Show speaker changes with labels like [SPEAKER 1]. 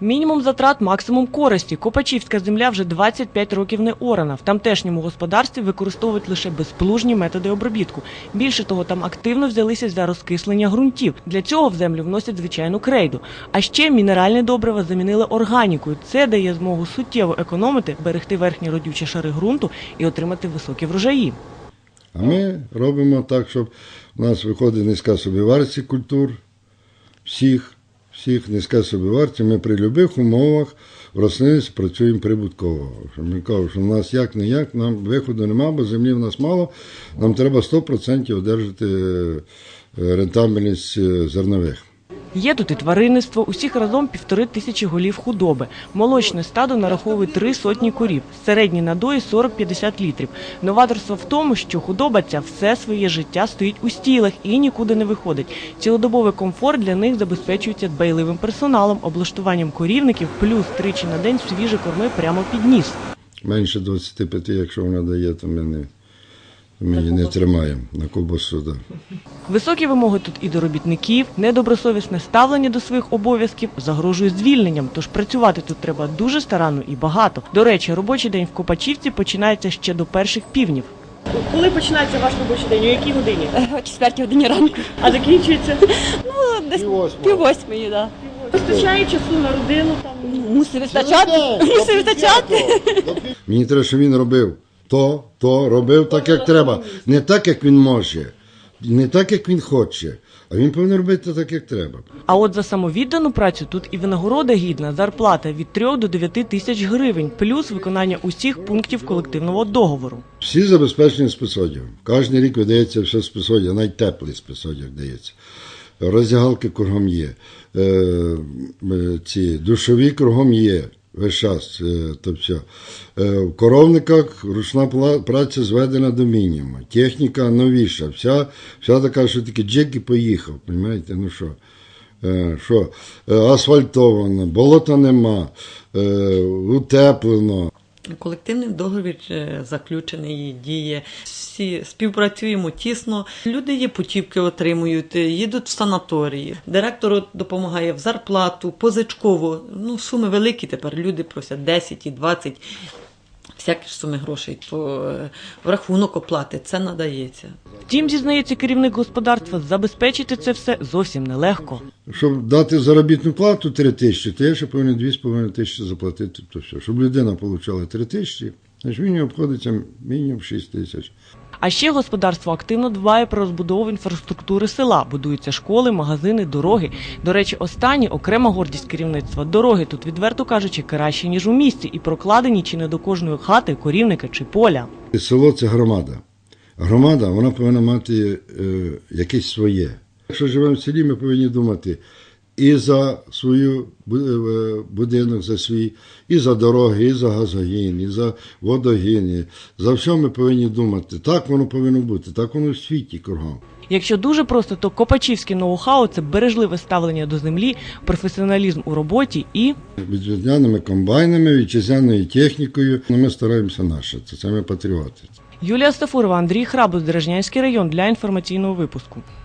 [SPEAKER 1] Мінімум затрат, максимум користі. Копачівська земля вже 25 років не орана. В тамтешньому господарстві використовують лише безплужні методи обробітку. Більше того, там активно взялися за розкислення ґрунтів. Для цього в землю вносять звичайну крейду. А ще мінеральні добрива замінили органікою. Це дає змогу суттєво економити, берегти верхні родючі шари ґрунту і отримати високі врожаї.
[SPEAKER 2] А ми робимо так, щоб у нас виходить низька собівартість культур, всіх низька собівартість. Ми при будь-яких умовах в рослинництві працюємо прибутково. Ми кажемо, що в нас як-не-як, нам виходу немає, бо землі в нас мало, нам треба 100% одержати рентабельність зернових.
[SPEAKER 1] Є тут і тваринництво, усіх разом 1500 голів худоби. Молочне стадо нараховує 3 сотні корів, середні надої 40-50 літрів. Новаторство в тому, що худоба ця все своє життя стоїть у стілах і нікуди не виходить. Цілодобовий комфорт для них забезпечується дбайливим персоналом, облаштуванням корівників, плюс тричі на день свіжі корми прямо під ніс.
[SPEAKER 2] Менше 25, якщо вона дає, то ми її не тримаємо на ковбасу. Да.
[SPEAKER 1] Високі вимоги тут і до робітників, недобросовісне ставлення до своїх обов'язків загрожує звільненням, тож працювати тут треба дуже старанно і багато. До речі, робочий день в Копачівці починається ще до перших півнів. Коли починається ваш робочий день? У якій годині?
[SPEAKER 3] О 4 годині ранку.
[SPEAKER 1] А закінчується?
[SPEAKER 3] Ну, десь пів-восьмої, так.
[SPEAKER 1] Вистачає часу на родину?
[SPEAKER 3] Мусить вистачати.
[SPEAKER 2] Мені треба, щоб він робив робив так, як треба. Не так, як він може, не так, як він хоче, а він повинен робити так, як треба.
[SPEAKER 1] А от за самовіддану працю тут і винагорода гідна, зарплата від 3 до 9 тисяч гривень, плюс виконання усіх пунктів колективного договору.
[SPEAKER 2] Всі забезпечені спецодягом. Кожен рік видається все спецодяг, навіть теплий спецодяг дається. Роздягалки кругом є, ці душові кругом є. Весь час, то все. В коровниках ручна праця зведена до мінімуму, техніка новіша, вся така, що таки джек і поїхав, розумієте, ну що, асфальтовано, болота нема, утеплено.
[SPEAKER 4] Колективний договір заключений, діє, всі співпрацюємо тісно, люди є путівки отримують, їдуть в санаторії, директор допомагає в зарплату, позичково, суми великі тепер, люди просять 10 і 20, всякі ж суми грошей, то в рахунок оплати це надається.
[SPEAKER 1] Втім, зізнається керівник господарства, забезпечити це все зовсім нелегко.
[SPEAKER 2] Щоб дати заробітну плату 3 тисячі, то я ще повинен 2,5 тисячі заплатити. То все. Щоб людина отримала 3 тисячі, значить він обходиться мінімум 6 тисяч.
[SPEAKER 1] А ще господарство активно дбає про розбудову інфраструктури села. Будуються школи, магазини, дороги. До речі, останні – окрема гордість керівництва. Дороги тут, відверто кажучи, кращі, ніж у місті. І прокладені чи не до кожної хати, корівника чи поля.
[SPEAKER 2] Село – це громада. Громада, вона повинна мати якесь своє. Якщо живемо в селі, ми повинні думати і за свою будинок, за свій, і за дороги, і за газогін, і за водогін. За все ми повинні думати. Так воно повинно бути, так воно в світі кругом.
[SPEAKER 1] Якщо дуже просто, то копачівське ноу-хау – це бережливе ставлення до землі, професіоналізм у роботі і...
[SPEAKER 2] Вітчизняними комбайнами, вітчизняною технікою. Ми стараємося наше, це ми патріоти.
[SPEAKER 1] Юлія Стафурова, Андрій Храбус, Деражнянський район для інформаційного випуску.